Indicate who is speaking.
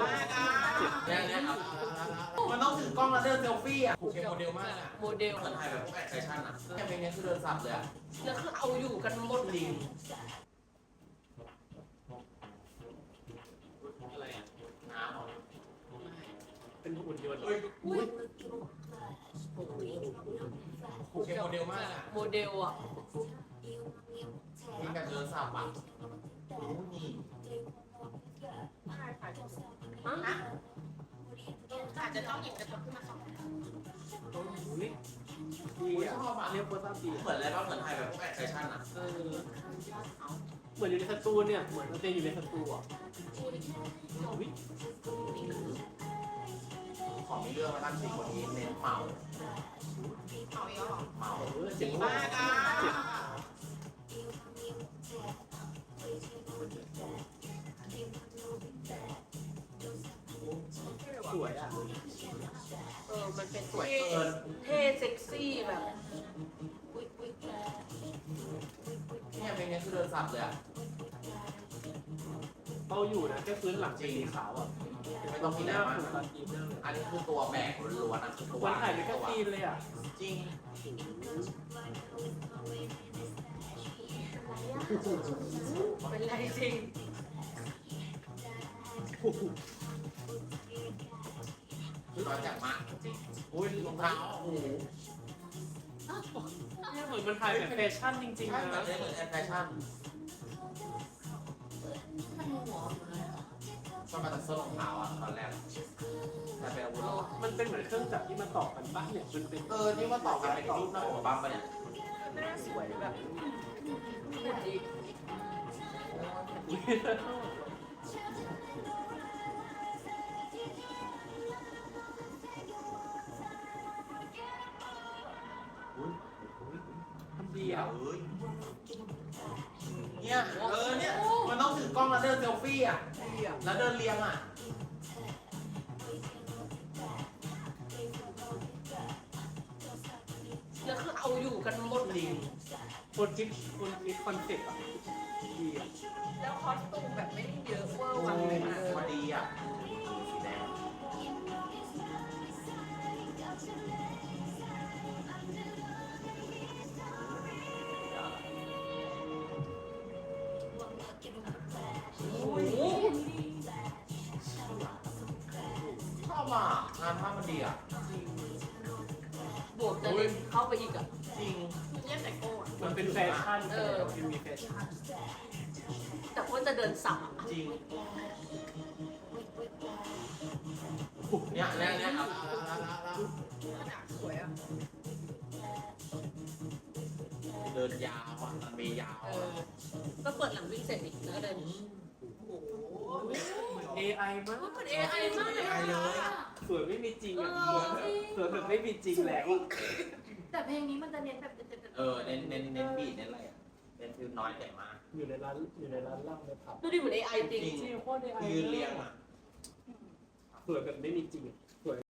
Speaker 1: มากอ่ะ
Speaker 2: เนี่ยครับ
Speaker 1: มันต้องถือกล้องแล้วเดินเซลฟี่อ่ะ
Speaker 2: โอเคโมเดลมากอ่ะ
Speaker 3: โมเดล
Speaker 2: เหมือนถ่ายแบบพวกแอดแฟชั่นอ่ะ
Speaker 1: แค่เพลงนี้คือเดินสับเลยอ่ะ
Speaker 3: แล้วคือเอาอยู่กันหมด
Speaker 1: จริง
Speaker 2: อะไรอ่ะน้ำเหรอ
Speaker 4: เป็นหุ่นยนต์
Speaker 2: เฮ้ย
Speaker 3: อุ้ย
Speaker 2: โอเคโมเดลมากอ่ะ
Speaker 3: โมเดลอ่ะ
Speaker 1: มีแบบเดินสับอ่ะนี่
Speaker 5: อาจจะต้องหยิบกระจกขึ้นมาส่อง
Speaker 4: อุ้ยดีอ่ะเรียกโคตรดี
Speaker 2: เหมือนอะไรบ้างเหมือนถ่ายแบบพวกแอดแฟชั่นอ่ะ
Speaker 4: เหมือนอยู่ในสตูเนี่ย เหมือนเราเต้นอยู่ในสตูอ่ะอุ้ย
Speaker 1: ขอมีเรื่องมาตั้งสี่คนนี้เน้นเมา
Speaker 5: เอาอีกแล้วเหรอ
Speaker 1: เมา
Speaker 4: เจ๋ง
Speaker 1: มาม
Speaker 4: าก
Speaker 1: อ่ะ
Speaker 4: สวยอ่ะ
Speaker 3: มันเป็น
Speaker 1: สวยเกิน
Speaker 3: เท่เซ็กซี่แบบ
Speaker 1: เนี่ยเพลงนี้คือเดินสับเลยอ่ะ
Speaker 4: เขาอยู่นะแค่พื้นหลังเป็นสีขาวอ่ะ
Speaker 1: ไม่ต้องมี
Speaker 4: ห
Speaker 1: แร
Speaker 4: น้าง
Speaker 1: มาก
Speaker 4: ผูกตาทีมาก
Speaker 1: อันนี้คือตัวแบกล้วนๆอ่ะคือตัว
Speaker 4: วันถ่ายเป็นแค่ซีนเลยอ่ะ
Speaker 1: จริง
Speaker 3: เป็นไรจริง
Speaker 1: คือร้อนจัดมากจริงอุ้ยรองเท้าโอ้โห
Speaker 4: เนี่ยเหมือนมันถ่ายแบบแฟชั่นจริง
Speaker 1: ใช่
Speaker 4: ๆ
Speaker 1: แบ
Speaker 4: นะ
Speaker 1: บนี้เหมือนแอดแฟชั่น
Speaker 5: มันหัวเลย
Speaker 1: มันมาจากเสื้อรองเท้าอ่ะตอนแรกแต่เป็นอาวุธแล้วอะ
Speaker 4: มันเป็นเหมือนเครื่องจักรที่มาต่อกันปะเนี่ยมันเป็น
Speaker 1: ที่ว่าต่อกันเป็นรูปหน้าอกบัมปะเนี่ย
Speaker 3: หน้าสวยแบบหุ่นดี
Speaker 4: ทำดี
Speaker 1: เดี๋ย
Speaker 4: อ่ะ
Speaker 1: วเอ้ยเนี่ยเนี่ยมันต้องถือกล้องแล้วเดินเซลฟี่อ่ะ
Speaker 3: ดีอ่ะ
Speaker 1: แล้วเดินเรียงอ่ะ
Speaker 3: แล้วคือเอาอยู่กันหมด
Speaker 1: จริง
Speaker 4: คนคิดคอนเซ็ปต์อ่ะดีอ่ะ
Speaker 3: แล้วคอสตูมแบบไม่ได้เยอะเวอร์วังเลยนะ
Speaker 1: พอดีอ่ะสีแดงโอ้ยชอบอ่ะงานภาพมันดีอ่ะ
Speaker 3: บวกจะเล่นเข้าไปอีกอ่ะ
Speaker 1: จริง
Speaker 5: เรียกแต่โก้อะ
Speaker 4: มันเป็นแฟชั่นมันมีแฟชั่น
Speaker 3: แต่ว่าจะเดินสับอ่ะ
Speaker 1: จริงเนี่ยครับ
Speaker 5: ขนาดสวยอ่ะ
Speaker 1: เดินยาวอ่ะมันมียาว
Speaker 3: เออ ก็เปิดหลังวิ่งเสร็จอีกแล้วก็เดิน
Speaker 4: AI มาก
Speaker 3: เหมือน AI มากเลย
Speaker 1: AI เลย
Speaker 4: สวยไม่มีจริงอ่ะสวยแบบไม่มีจริงแล้ว
Speaker 5: แต่เพลงนี้มันจะเน้นแบบ
Speaker 1: เน้นบีทเน้นอะไรอ่ะเน้นคือน้อยแต่มาก
Speaker 4: อยู่ในร้านเหล้าในผับ
Speaker 3: ดูดิเหมือน AI จริง
Speaker 4: จริงโคตร AI
Speaker 1: ยืนเรียงอ่ะ
Speaker 4: สวยแบบไม่มีจริงสวย